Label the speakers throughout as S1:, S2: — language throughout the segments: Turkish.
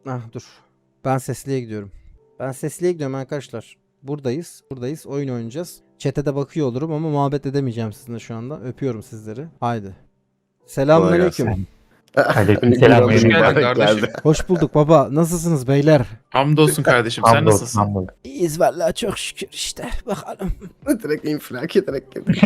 S1: Ah dur. Ben sesliye gidiyorum. Ben sesliye gidiyorum arkadaşlar. Buradayız. Buradayız. Oyun oynayacağız. Chat'e de bakıyor olurum ama muhabbet edemeyeceğim sizinle şu anda. Öpüyorum sizleri. Haydi.
S2: Kolay
S1: Selamünaleyküm.
S2: gelsin.
S3: Aleykümselam.
S2: Hoş geldin
S3: mübarek
S2: kardeşim.
S3: geldi.
S1: Hoş bulduk baba. Nasılsınız beyler?
S2: Hamdolsun kardeşim. Sen
S3: Hamdolsun,
S2: nasılsın?
S3: hamdolsun.
S1: İyiyiz vallahi çok şükür işte. Bakalım.
S3: Direkt infilak ederek geldi.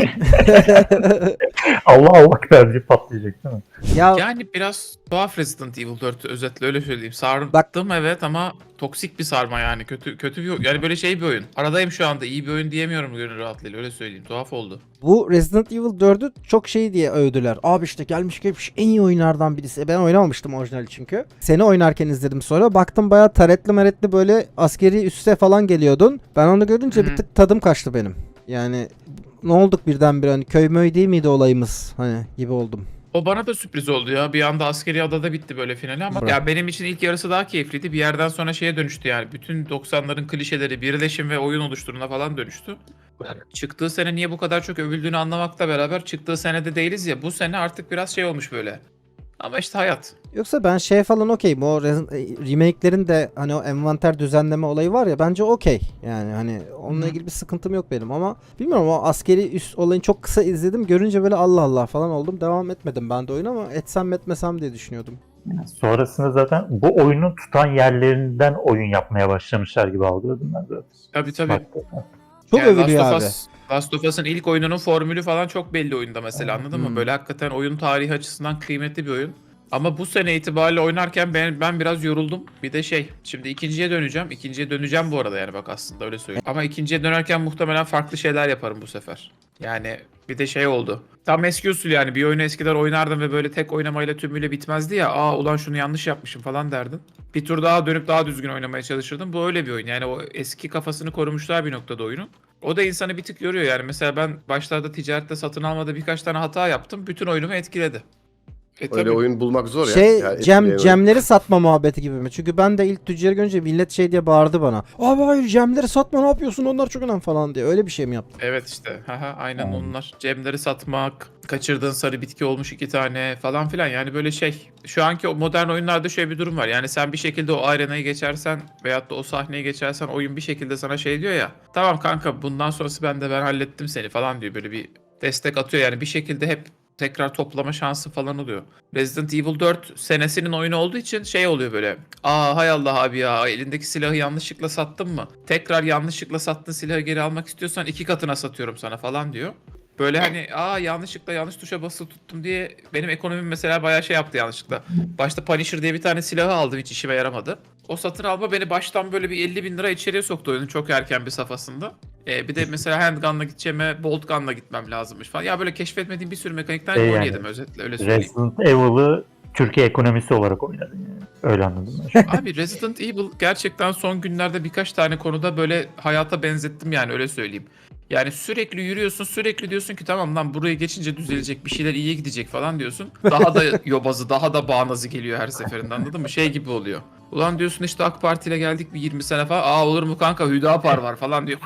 S4: Allah Allah tercih patlayacak değil mi?
S1: Ya
S2: Yani biraz tuhaf Resident Evil 4 özetle öyle söyleyeyim. Sardım
S1: Bak-
S2: evet ama toksik bir sarma yani. Kötü bir yani böyle şey bir oyun. Aradayım şu anda. İyi bir oyun diyemiyorum gönül rahatlığıyla öyle söyleyeyim. Tuhaf oldu.
S1: bu Resident Evil 4'ü çok şey diye övdüler. Abi işte gelmiş geçmiş en iyi oyunlardan birisi. Ben oynamamıştım orijinali çünkü. Seni oynarken izledim sonra. Baktım bayağı taretli meretli böyle askeri üste falan geliyordun. Ben onu görünce bir tık tadım kaçtı benim. Yani ne olduk birdenbire hani köy möy değil miydi olayımız hani gibi oldum.
S2: O bana da sürpriz oldu ya. Bir anda askeri adada bitti böyle finali ama
S1: Bırak.
S2: ya benim için ilk yarısı daha keyifliydi. Bir yerden sonra şeye dönüştü yani. Bütün 90'ların klişeleri birleşim ve oyun oluşturuna falan dönüştü. Çıktığı sene niye bu kadar çok övüldüğünü anlamakla beraber çıktığı senede değiliz ya. Bu sene artık biraz şey olmuş böyle. Ama işte hayat.
S1: Yoksa ben şey falan okeyim. O remake'lerin de hani o envanter düzenleme olayı var ya bence okey. Yani hani onunla
S2: Hı.
S1: ilgili bir sıkıntım yok benim ama bilmiyorum o askeri üst olayını çok kısa izledim. Görünce böyle Allah Allah falan oldum. Devam etmedim ben de oyunu ama etsem mi etmesem diye düşünüyordum.
S4: Sonrasında zaten bu oyunun tutan yerlerinden oyun yapmaya başlamışlar gibi algıladım ben zaten.
S2: Tabii.
S4: Hakikaten.
S1: Çok
S2: Yani
S1: övülüyor abi.
S2: Last of Us'ın ilk oyununun formülü falan çok belli oyunda mesela anladın mı? Böyle hakikaten oyun tarihi açısından kıymetli bir oyun. Ama bu sene itibariyle oynarken ben biraz yoruldum. Bir de şimdi ikinciye döneceğim. İkinciye döneceğim bu arada yani bak aslında öyle söyleyeyim. Ama ikinciye dönerken muhtemelen farklı şeyler yaparım bu sefer. Yani bir de şey oldu. Tam eski usul yani bir oyunu eskiden oynardım ve böyle tek oynamayla tümüyle bitmezdi ya. Aa ulan şunu yanlış yapmışım falan derdin. Bir tur daha dönüp daha düzgün oynamaya çalışırdım. Bu öyle bir oyun. Yani o eski kafasını korumuşlar bir noktada oyunun. O da insanı bir tık yoruyor yani. Mesela ben başlarda ticarette satın almada birkaç tane hata yaptım. Bütün oyunumu etkiledi.
S3: Öyle
S2: Tabii.
S3: oyun bulmak zor ya.
S1: Şey
S3: Yani
S1: Cemleri satma muhabbeti gibi mi? Çünkü ben de ilk tüccarı görünce millet şey diye bağırdı bana. Abi hayır Cemleri satma ne yapıyorsun onlar çok önemli falan diye. Öyle bir şey mi yaptın?
S2: Evet işte. Haha, aynen
S4: Hmm.
S2: onlar. Cemleri satmak, kaçırdığın sarı bitki olmuş 2 tane falan filan. Yani böyle şey. Şu anki o modern oyunlarda şöyle bir durum var. Yani sen bir şekilde o arenayı geçersen veyahut da o sahneyi geçersen oyun bir şekilde sana şey diyor ya. Tamam kanka bundan sonrası ben hallettim seni falan diyor. Böyle bir destek atıyor yani bir şekilde hep tekrar toplama şansı falan oluyor. Resident Evil 4 senesinin oyunu olduğu için şey oluyor böyle. Aa hay Allah abi ya elindeki silahı yanlışlıkla sattın mı? Tekrar yanlışlıkla sattığın silahı geri almak istiyorsan 2 katına satıyorum sana falan diyor. Böyle hani yanlışlıkla yanlış tuşa basılı tuttum diye benim ekonomim mesela bayağı şey yaptı yanlışlıkla. Başta Punisher diye bir tane silahı aldım hiç işime yaramadı. O satın alma beni baştan böyle bir 50 bin lira içeriye soktu oyunun çok erken bir safhasında. Bir de mesela handgun'la gideceğime bolt gun'la gitmem lazımmış falan. Ya böyle keşfetmediğim bir sürü mekanikten gol
S4: Yani,
S2: yedim özetle öyle söyleyeyim.
S4: Resident Evil'ı Türkiye ekonomisi olarak oynadın yani. Öyle anladım ben.
S2: Abi Resident Evil gerçekten son günlerde birkaç tane konuda böyle hayata benzettim yani öyle söyleyeyim. Yani sürekli yürüyorsun sürekli diyorsun ki tamam lan buraya geçince düzelecek bir şeyler iyiye gidecek falan diyorsun. Daha da yobazı daha da bağnazı geliyor her seferinde anladın mı? Şey gibi oluyor. Ulan diyorsun işte AK Parti ile geldik bir 20 sene falan. Aa olur mu kanka Hüdapar var falan diyor.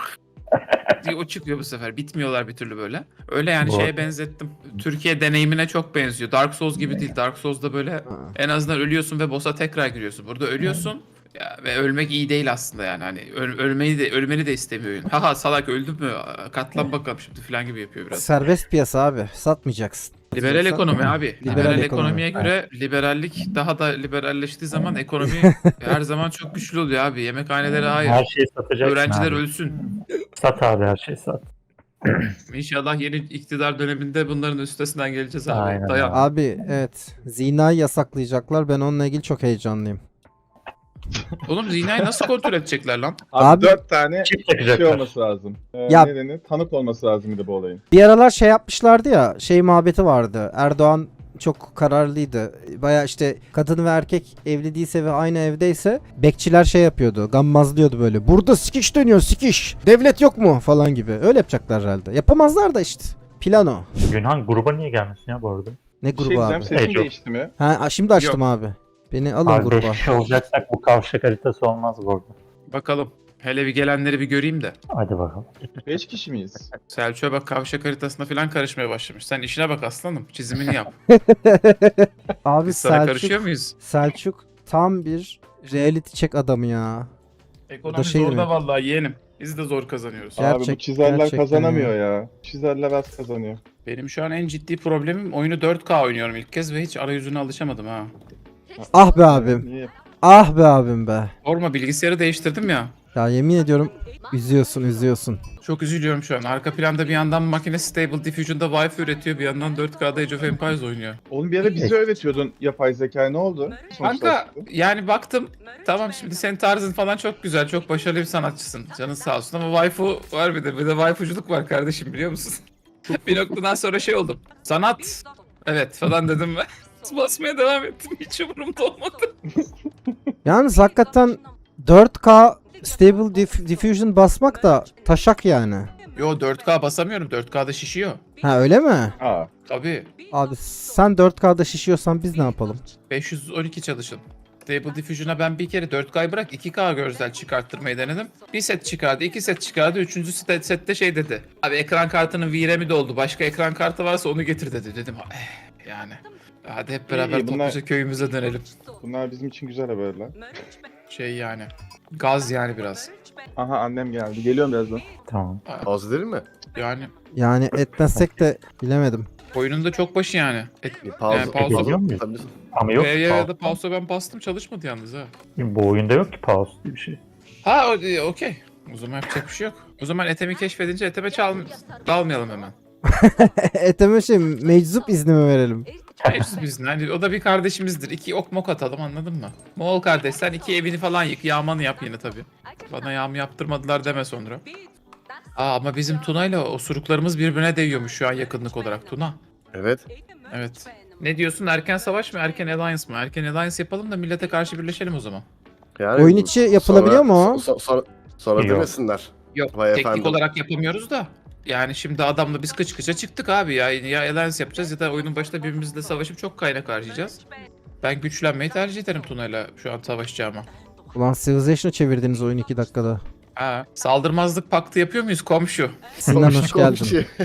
S2: diye o çıkıyor bu sefer. Bitmiyorlar bir türlü böyle. Öyle yani
S4: Bu-
S2: şeye benzettim. Türkiye deneyimine çok benziyor. Dark Souls gibi değil. Dark Souls'da böyle en azından ölüyorsun ve boss'a tekrar giriyorsun. Burada ölüyorsun ya, ve ölmek iyi değil aslında yani. Hani ölmeni de istemiyor oyun. Haha salak öldün mü? Katlan bakalım şimdi falan gibi yapıyor biraz.
S1: Serbest piyasa abi. Satmayacaksın.
S2: Liberal ekonomi abi.
S1: Liberal
S2: Liberal
S1: ekonomi.
S2: ekonomiye göre liberallik daha da liberalleştiği zaman ekonomi her zaman çok güçlü oluyor abi. Yemekhanelere
S4: Her
S2: hayır.
S4: şeyi satacaksın
S2: Öğrenciler
S4: abi.
S2: ölsün.
S4: Sat abi her şeyi sat.
S2: İnşallah yeni iktidar döneminde bunların üstesinden geleceğiz abi.
S4: Aynen
S2: Dayan.
S1: Abi evet. Zinayı yasaklayacaklar. Ben onunla ilgili çok heyecanlıyım.
S2: Oğlum zinayı nasıl kontrol edecekler lan?
S1: Abi-
S5: Abi 4 tane
S4: Çip
S5: şey
S4: takacaklar.
S5: olması lazım.
S1: Ya-
S5: Nedeni tanık olması lazım bir de bu olayın.
S1: Bir aralar şey yapmışlardı ya. Şey muhabbeti vardı. Erdoğan çok kararlıydı. Baya işte kadın ve erkek evli değilse ve aynı evdeyse bekçiler şey yapıyordu. Gammazlıyordu böyle. Burada sikiş dönüyor sikiş. Devlet yok mu falan gibi. Öyle yapacaklar herhalde. Yapamazlar da işte. Plano.
S4: Günhan gruba niye gelmesin ya bu arada?
S1: Ne
S5: Bir şey
S1: grubu
S5: diyeceğim,
S1: abi?
S5: sesin
S4: Ece.
S5: değişti mi?
S1: Ha şimdi açtım abi. Beni alın
S4: Abi 5
S1: gruba.
S4: kişi olacaksak bu kavşak haritası olmaz bu arada.
S2: Bakalım. Hele bir gelenleri bir göreyim de.
S4: Hadi bakalım.
S5: 5 kişi miyiz?
S2: Selçuk'a bak kavşak haritasına falan karışmaya başlamış. Sen işine bak aslanım. Çizimini yap.
S1: Abi
S2: Biz sana karışıyor muyuz?
S1: Selçuk tam bir Reality check adamı ya.
S2: Ekonomi
S1: şey
S2: zorda
S1: demek.
S2: vallahi yeğenim. Biz de zor kazanıyoruz.
S1: Ya-
S5: Abi bu
S1: Gerçek-
S5: çizerler
S1: gerçekten
S5: kazanamıyor ya. Çizerler az kazanıyor.
S2: Benim şu an en ciddi problemim oyunu 4K oynuyorum ilk kez ve hiç arayüzüne alışamadım ha.
S1: Ah be abim.
S5: Niye?
S1: Ah be abim be.
S2: Sorma, bilgisayarı değiştirdim ya.
S1: Ya yemin ediyorum üzüyorsun.
S2: Çok üzülüyorum şu an. Arka planda bir yandan makine Stable Diffusion'da Wi-Fi üretiyor, bir yandan 4K'da Age of Empires oynuyor.
S5: Oğlum bir ara bize öğretiyordun yapay zeka, ne oldu?
S2: Kanka yani baktım, tamam şimdi senin tarzın falan çok güzel, çok başarılı bir sanatçısın. Canın sağ olsun ama waifu var bir de waifuculuk var kardeşim, biliyor musun? Bir noktadan sonra şey oldum. Sanat, evet falan dedim ve basmaya devam ettim. Hiç umurumda olmadı.
S1: Yalnız hakikaten 4K Stable Diffusion basmak da taşak yani.
S2: Yo 4K basamıyorum. 4K'da şişiyor.
S1: Ha öyle mi?
S5: Aa,
S2: Tabii.
S1: Abi sen 4K'da şişiyorsan biz ne yapalım?
S2: 512 çalışın. Stable Diffusion'a ben bir kere 4K'yı bırak 2K görsel çıkarttırmayı denedim. Bir set çıkardı, 2 set çıkardı. Üçüncü sette şey dedi. Abi ekran kartının VRAM'i doldu. Başka ekran kartı varsa onu getir dedi. Dedim yani. Hadi hep beraber
S5: İyi, bunlar-
S2: topluca köyümüze dönelim.
S5: bunlar bizim için güzel haberler.
S2: Şey yani. Gaz yani biraz.
S5: Aha annem geldi. Geliyorum birazdan.
S4: Tamam.
S3: Pause edelim mi?
S2: Yani
S1: Yani etmezsek de bilemedim.
S2: oyunun da çok başı yani.
S3: Bir pause.
S2: Yani pause
S4: ediyor muyuz?
S3: Tabii.
S4: Ama yok ki
S2: Ya
S4: pause.
S2: da pausa ben bastım, çalışmadı yalnız ha.
S4: Bu oyunda yok ki pause diye bir şey.
S2: Ha okey. O zaman yapacak bir şey yok. O zaman Ethem'i keşfedince Ethem'e dalmayalım hemen.
S1: Eteme şey meczup izni mi verelim?
S2: Hepsi bizim. Yani o da bir kardeşimizdir. 2 ok mok atalım, anladın mı? Moğol kardeş sen 2 evini falan yık. Yağmanı yap yine tabii. Bana yağmı yaptırmadılar deme sonra. Ama bizim Tuna'yla osuruklarımız birbirine değiyormuş şu an yakınlık olarak Tuna.
S3: Evet.
S2: Evet. Ne diyorsun, erken savaş mı erken alliance mı? Erken alliance yapalım da millete karşı birleşelim o zaman.
S3: Yani
S1: Oyun içi yapılabiliyor mu o?
S3: Sonra
S4: Yok.
S3: demesinler.
S2: Yok
S3: Vay
S2: teknik
S3: efendim.
S2: olarak yapamıyoruz da. Yani şimdi adamla biz kıç kıça çıktık abi ya. Ya alliance yapacağız ya da oyunun başında birbirimizle savaşıp çok kaynak harcayacağız. Ben güçlenmeyi tercih ederim Tuna'yla şu an savaşacağıma.
S1: Ulan Civilization'a çevirdiniz oyunu 2 dakikada.
S2: Ha, saldırmazlık paktı yapıyor muyuz komşu?
S1: Sinan hoş geldin.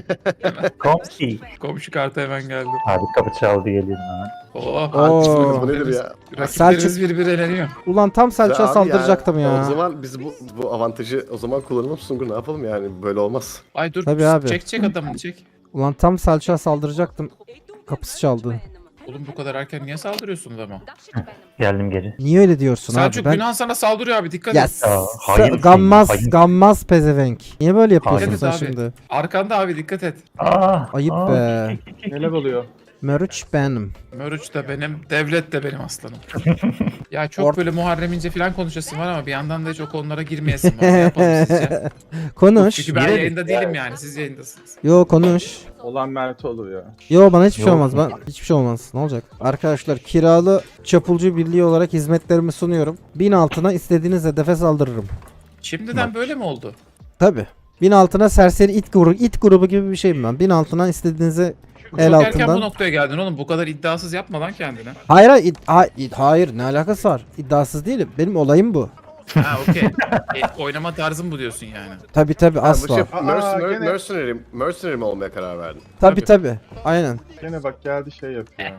S4: Komşi.
S2: Komşu kartı hemen geldi.
S4: Abi kapı çaldı geliyorum hemen.
S2: Oh,
S1: Oo.
S3: Bu nedir ya?
S2: rakiplerimiz birbiri eleniyor.
S1: Ulan tam Selçuk'a
S3: Abi
S1: saldıracaktım ya.
S3: O zaman biz bu avantajı o zaman kullanalım Sungur, ne yapalım yani, böyle olmaz.
S2: Ay dur,
S1: Tabii abi.
S2: çek adamını çek.
S1: Ulan tam Selçuk'a saldıracaktım. Kapısı çaldı.
S2: Oğlum bu kadar erken niye saldırıyorsunuz ama?
S4: Geldim geri.
S1: Niye öyle diyorsun
S2: Selçuk
S1: abi?
S2: Günhan sana saldırıyor abi, dikkat
S1: Ya
S2: et.
S4: hain
S1: gammaz,
S4: şey, hain.
S1: gammaz pezevenk. Niye böyle yapıyorsun
S4: Hain.
S1: sen
S2: Evet abi.
S1: şimdi?
S2: Arkanda abi, dikkat et.
S1: Ayıp be.
S5: Neler oluyor?
S1: Mörüç benim.
S2: Mörüç de benim, devlet de benim aslanım. Ya çok
S1: Or-
S2: böyle Muharrem İnce falan konuşasın var ama bir yandan da hiç o konulara girmeyesin var. Ne yapalım sizce?
S1: Konuş.
S2: Çünkü ben
S4: Girelim.
S2: yayında değilim yani, siz yayındasınız.
S1: Yo konuş.
S5: Olan Mert olur ya.
S1: Yo bana hiçbir şey
S4: Yok.
S1: olmaz. Hiçbir şey olmaz. Ne olacak? Arkadaşlar kiralı çapulcu birliği olarak hizmetlerimi sunuyorum. 1000 altına istediğiniz hedefe saldırırım.
S2: Şimdiden böyle mi oldu?
S1: Tabi. 1000 altına serseri it grubu gibi bir şeyim ben. 1000 altına istediğinize el
S2: Çok erken bu
S1: altından.
S2: noktaya geldin oğlum. Bu kadar iddiasız yapma lan kendine.
S1: Hayır hayır ne alakası var? İddiasız değilim. Benim olayım bu.
S2: Ha okey. Oynama tarzın bu diyorsun yani.
S1: Tabi
S3: Bu
S1: asla.
S3: şey,
S5: gene-
S3: mercenary mi olmaya karar verdin?
S1: Tabi. Aynen.
S5: Gene bak geldi şey yapıyor.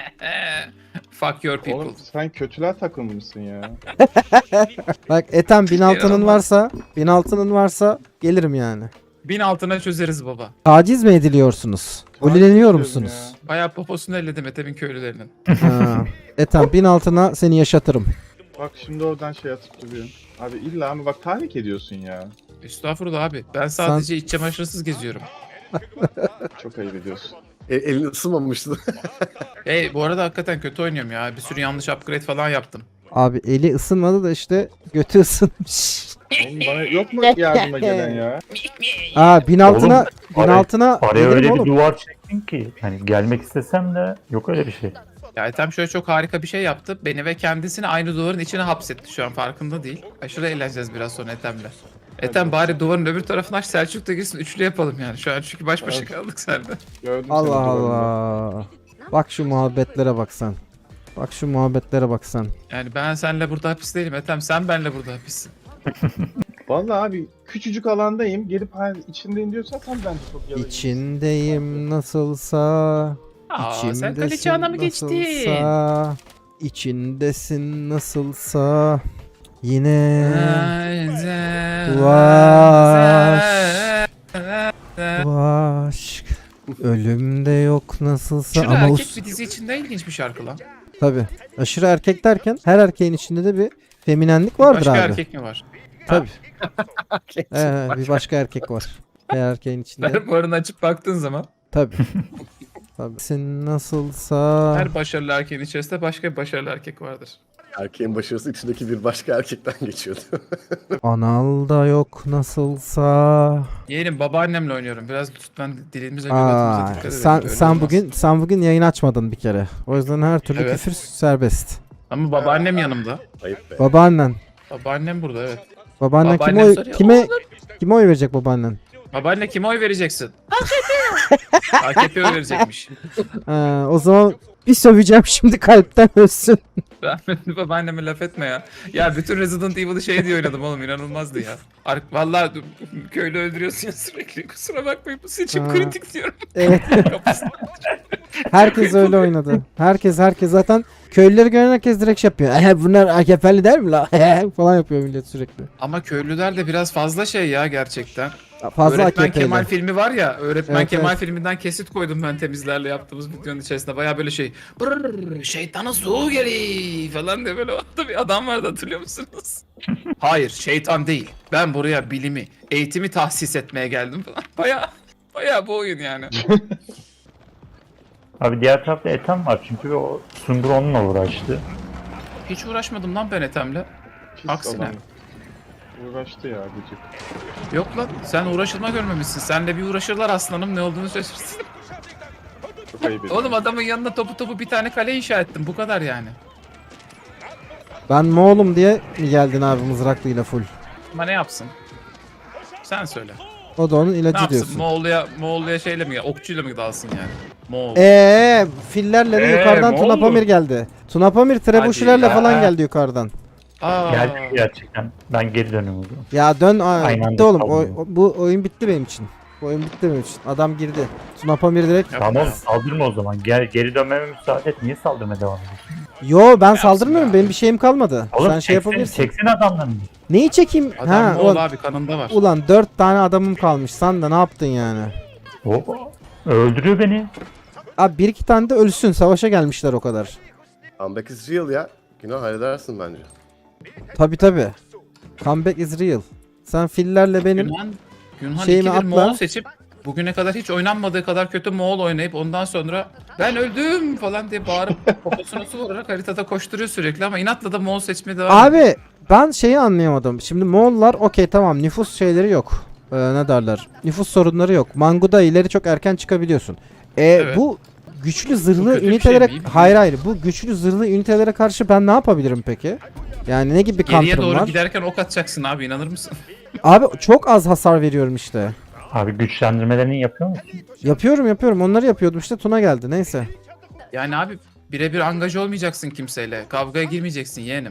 S2: Fuck your people.
S5: Oğlum sen kötüler takılmışsın ya.
S1: Bak Ethem 1000 altının
S2: Yaramaz.
S1: varsa 1000 altının varsa gelirim yani.
S2: 1000 altına çözeriz baba.
S1: Taciz mi ediliyorsunuz? Ulileniyor
S5: diyorum
S1: musunuz?
S2: Bayağı poposunu elledim Ethem'in köylülerinin.
S1: Ha. Ethem 1000 altına seni yaşatırım.
S5: Bak şimdi oradan şey atıp duruyor. Abi illa ama bak tahrik ediyorsun ya.
S2: Estağfurullah abi. Ben sadece iç çamaşırsız geziyorum.
S5: Çok ayıp ediyorsun.
S3: Elin ısınmamıştı.
S2: Hey bu arada hakikaten kötü oynuyorum ya. Bir sürü yanlış upgrade falan yaptım.
S1: Abi eli ısınmadı da işte götü ısınmış.
S5: Oğlum bana yok mu yardıma gelen ya?
S1: Aa 1000 altına
S4: Oğlum,
S1: 1000 altına
S4: Araya
S1: gelirim
S4: öyle bir
S1: oğlum.
S4: duvar çektin ki. Hani gelmek istesem de yok öyle bir şey.
S2: Ya Ethem şöyle çok harika bir şey yaptı. Beni ve kendisini aynı duvarın içine hapsetti, şu an farkında değil. Aşırı eğleneceğiz biraz sonra Ethem'le. Ethem bari duvarın öbür tarafına aç, Selçuk da girsin, üçlü yapalım yani. Şu an çünkü baş başa
S5: Evet.
S2: kaldık seninle.
S5: Gördüm
S1: Allah
S5: seni duvarında.
S1: Allah. Bak şu muhabbetlere bak sen. Bak şu muhabbetlere bak sen.
S2: Yani ben seninle burada hapis değilim Ethem, sen benle burada hapissin.
S5: Vallahi abi küçücük alandayım. Gelip hani içindeyim diyorsan tam bence çok yalan.
S1: İçindeyim nasılsa.
S2: Aa, sen
S1: İçimdesin
S2: kraliçe ana mı geçtin?
S1: nasılsa. İçindesin nasılsa yine bu aşk ölümde yok nasılsa
S2: Şurada
S1: ama
S2: erkek bir dizi içinde ilginç bir şarkı lan.
S1: tabi aşırı erkek derken her erkeğin içinde de bir feminenlik vardır
S2: Başka
S1: abi.
S2: erkek mi var?
S1: Tabi. Bir başka erkek var. Her erkeğin içinde.
S2: Fermuarını açıp baktığın zaman
S1: Tabi. Tabi. Sen nasılsa
S2: her başarılı erkeğin içerisinde başka bir başarılı erkek vardır.
S3: Erkeğin başarısı içindeki bir başka erkekten geçiyordu.
S1: analda yok nasılsa.
S2: Yeğenim babaannemle oynuyorum. Biraz lütfen dilimize göbetimize dikkat edelim.
S1: Sen
S2: Öyle
S1: sen
S2: olmaz.
S1: bugün yayın açmadın bir kere. O yüzden her türlü
S2: Evet.
S1: küfür serbest.
S2: Ama babaannem yanımda.
S3: Ayıp be.
S1: Babaannen.
S2: Babaannem burada evet.
S1: Babaannen
S2: Babaannem soruyor,
S1: kime oy verecek babaannen?
S2: Babaanne kime oy vereceksin? AKP'ye oy verecekmiş.
S1: O zaman bir söveceğim şimdi kalpten ölsün.
S2: Rahmetli babaanneme laf etme ya. Ya bütün Resident Evil'ı şey diye oynadım oğlum, inanılmazdı ya. Vallahi köylü öldürüyorsun ya sürekli. Kusura bakmayın, bu seçim
S1: Ha.
S2: kritik diyorum.
S1: Evet.
S2: Kapısına.
S1: Herkes öyle oynadı. Herkes zaten köylüleri gören herkes direkt şey yapıyor. Bunlar AKP'li der mi la? Falan yapıyor millet sürekli.
S2: Ama köylüler de biraz fazla şey ya gerçekten.
S1: Fazla
S2: Öğretmen
S1: AKP'li.
S2: Kemal filmi var ya, Öğretmen
S1: Evet,
S2: Kemal
S1: evet.
S2: filminden kesit koydum ben temizlerle yaptığımız videonun içerisinde. Baya böyle şey, brrr, şeytanın soğuğu geliyor falan diye böyle orada bir adam vardı, hatırlıyor musunuz? Hayır, şeytan değil. Ben buraya bilimi, eğitimi tahsis etmeye geldim falan. Baya bu oyun yani.
S4: Abi diğer tarafta Ethem var çünkü o Sungur onunla uğraştı.
S2: Hiç uğraşmadım lan ben Ethem'le.
S5: Pis
S2: Aksine.
S5: adam. Uğraştı ya gıcık.
S2: Yok lan, sen uğraşılma görmemişsin. Senle bir uğraşırlar aslanım, ne olduğunu şaşırsın.
S5: Çok ayıp ediyor.
S2: Oğlum adamın yanına topu bir tane kale inşa ettim, bu kadar yani.
S1: Ben Moğol'um diye mi geldin abi mızraklıyla full?
S2: Ama ne yapsın? Sen söyle.
S1: O da onun
S2: Ne
S1: ilacı
S2: yapsın?
S1: diyorsun.
S2: Moğolluya şeyle mi, okçuyla mı dalsın yani? Moğol.
S1: Fillerle de yukarıdan
S2: Moğol
S1: Tuna
S2: mu?
S1: Pamir geldi. Tuna Pamir trebuşilerle
S2: ya.
S1: falan geldi yukarıdan.
S2: Aa.
S4: Geldi gerçekten. Ben geri dönüyorum o zaman.
S1: Ya dön
S4: Aynı
S1: bitti
S4: anda
S1: oğlum.
S4: kalmıyor.
S1: Bu oyun bitti benim için. Bu oyun bitti benim için. Adam girdi. Tuna Pamir direkt.
S2: Yapma.
S4: Tamam saldırma o zaman. Geri dönmeme müsaade et. Niye saldırmaya devam ediyorsun?
S1: Yo ben
S2: Yapsın
S1: saldırmıyorum.
S2: ya.
S1: Benim bir şeyim kalmadı.
S4: Oğlum
S1: Sen şey
S4: çeksin,
S1: yapabilirsin.
S4: çeksin adamlarını.
S1: Neyi çekeyim?
S2: Adam Moğol
S1: ulan,
S2: abi, kanında var.
S1: ulan 4 tane adamım kalmış. Sen de ne yaptın yani?
S4: Hop. Öldürüyor beni.
S1: Abi 1-2 tane de ölsün. Savaşa gelmişler o kadar.
S3: Comeback is real ya. Günah halledersin bence.
S1: Tabi. Comeback is real. Sen fillerle benim
S2: Günhan
S1: şeyimi
S2: ikidir
S1: atla.
S2: Moğol seçip bugüne kadar hiç oynanmadığı kadar kötü Moğol oynayıp ondan sonra ben öldüm falan diye bağırıp poposuna su vurarak haritada koşturuyor sürekli ama inatla da Moğol seçmeye devam ediyor.
S1: Abi ben şeyi anlayamadım. Şimdi Moğollar okey tamam nüfus şeyleri yok. Ne derler? Nüfus sorunları yok. Manguda ileri çok erken çıkabiliyorsun.
S2: Evet.
S1: Bu güçlü
S2: Bu
S1: zırhlı
S2: kötü bir
S1: ünitelere
S2: şey mi?
S1: hayır bu güçlü zırhlı ünitelere karşı ben ne yapabilirim peki? Yani ne gibi bir
S2: Geriye
S1: counter'ım
S2: doğru
S1: var?
S2: giderken ok atacaksın abi, inanır mısın?
S1: Abi çok az hasar veriyorum işte.
S4: Abi güçlendirmelerini yapıyor musun?
S1: Yapıyorum. Onları yapıyordum işte Tuna geldi. Neyse.
S2: Yani abi birebir angaj olmayacaksın kimseyle. Kavgaya girmeyeceksin yeğenim.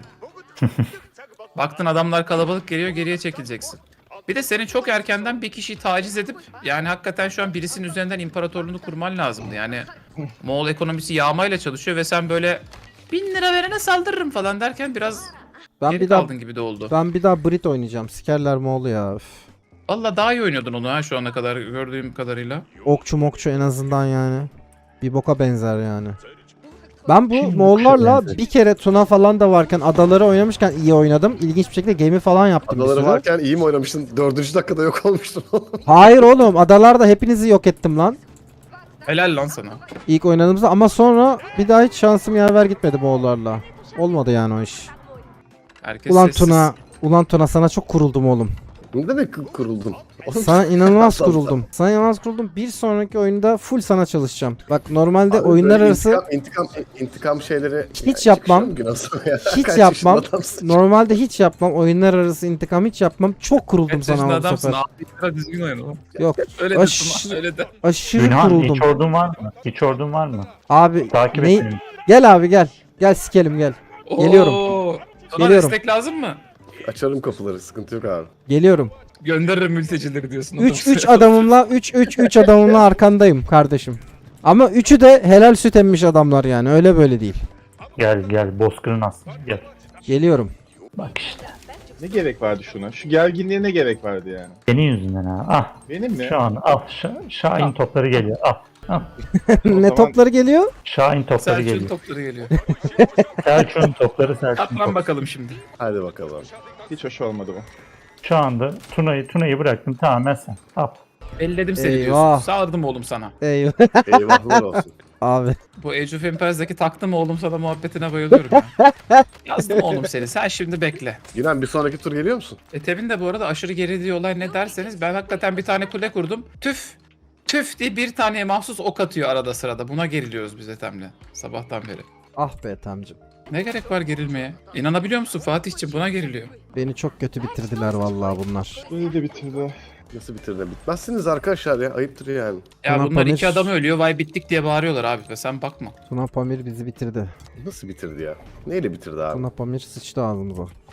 S2: Baktın adamlar kalabalık geliyor, geriye çekileceksin. Bir de senin çok erkenden bir kişiyi taciz edip yani hakikaten şu an birisinin üzerinden imparatorluğunu kurman lazımdı. Yani Moğol ekonomisi yağmayla çalışıyor ve sen böyle 1000 lira verene saldırırım falan derken biraz
S1: Ben
S2: geri
S1: bir daha
S2: kaldın gibi de oldu.
S1: Brit oynayacağım. Sikerler Moğol'u ya. Üf.
S2: Valla daha iyi oynuyordun onu ha şu ana kadar gördüğüm kadarıyla.
S1: Okçu mokçu en azından yani. Bir boka benzer yani. Ben bu
S4: Şimdi
S1: Moğollarla
S4: benzer.
S1: bir kere Tuna falan da varken adaları oynamışken iyi oynadım. İlginç bir şekilde gemi falan yaptım bir
S3: Adaları
S1: süre.
S3: varken iyi mi oynamıştın? 4. dakikada yok olmuştun oğlum.
S1: Hayır oğlum adalarda hepinizi yok ettim lan.
S2: Helal lan sana.
S1: İlk oynadığımızda ama sonra bir daha hiç şansım yaver gitmedi Moğollarla. Olmadı yani o iş.
S2: Herkes
S1: Ulan
S2: sessiz.
S1: Tuna sana çok kuruldum oğlum.
S3: Ne demek kuruldun? Oğlum,
S1: Sana inanılmaz
S3: Tamam,
S1: kuruldum. Sana inanılmaz kuruldum. Bir sonraki oyunda full sana çalışacağım. Bak normalde
S3: abi
S1: oyunlar
S3: böyle
S1: arası
S3: intikam şeyleri
S1: Hiç yapmam. Hiç
S3: Kaç
S1: yapmam.
S3: yaşında adamsın?
S1: Normalde hiç yapmam. Oyunlar arası intikam hiç yapmam. Çok kuruldum
S2: Kaç
S1: sana
S2: yaşında
S1: bu
S2: adamsın
S1: sefer.
S2: abi, biraz düzgün oyna lan.
S1: Yok.
S2: Öyle de
S1: Aşırı-
S2: Tuna, öyle de.
S1: Aşırı
S4: Günhan
S1: kuruldum.
S4: hiç ordun var mı? Hiç ordun var mı?
S1: Abi
S4: Takip
S1: ne-
S4: et beni.
S1: Gel abi gel. Gel sikelim gel. Geliyorum.
S2: Oo, Tuna
S1: Geliyorum.
S2: destek lazım mı?
S3: Açarım kapıları, sıkıntı yok abi.
S1: Geliyorum.
S2: Gönderirim mültecileri diyorsun.
S1: 3 adamımla 3 adamımla arkandayım kardeşim. Ama üçü de helal süt emmiş adamlar yani. Öyle böyle değil.
S4: Gel Bozkır'ın aslında gel.
S1: Geliyorum.
S4: Bak işte.
S5: Ne gerek vardı şuna? Şu gerginliğe ne gerek vardı yani?
S4: Senin yüzünden ha. Ah
S5: Benim mi?
S4: şu an al. Şahin topları geliyor. Al.
S1: Ne
S5: zaman-
S1: topları geliyor?
S4: Şahin topları
S2: Selçuk'un
S4: geliyor.
S2: topları geliyor.
S4: Selçuk'un topları Selçuk'un
S2: Atlan
S4: topları.
S2: bakalım şimdi.
S3: Hadi bakalım.
S5: Hiç hoş olmadı bu.
S4: Şu anda Tuna'yı bıraktım tamamen sen. Al.
S2: Elledim seni
S1: Eyvah.
S2: diyorsun. Sağırdım oğlum sana.
S1: Eyvah.
S3: Eyvahlar olsun.
S1: Abi.
S2: Bu Age of Empires'daki taktım oğlum sana muhabbetine bayılıyorum ya. Yazdım oğlum seni. Sen şimdi bekle.
S3: Gülen bir sonraki tur geliyor musun?
S2: Temin de bu arada aşırı geri olay ne derseniz ben hakikaten bir tane kule kurdum. Tüf diye bir taneye mahsus ok atıyor arada sırada. Buna geriliyoruz biz Ethem'le sabahtan beri.
S1: Ah be Ethem'cim.
S2: Ne gerek var gerilmeye? İnanabiliyor musun Fatih'ciğim buna geriliyor.
S1: Beni çok kötü bitirdiler vallahi bunlar.
S5: Beni de bitirdi.
S3: Nasıl bitirdin? Bitmezsiniz arkadaşlar ya. Ayıptır yani.
S2: Ya
S1: Tuna
S2: bunlar
S1: Pamir-
S2: iki adam ölüyor vay bittik diye bağırıyorlar abi ve sen bakma.
S1: Tuna Pamir bizi bitirdi.
S3: Nasıl bitirdi ya? Neyle bitirdi abi?
S1: Tuna Pamir sıçtı ağzımıza.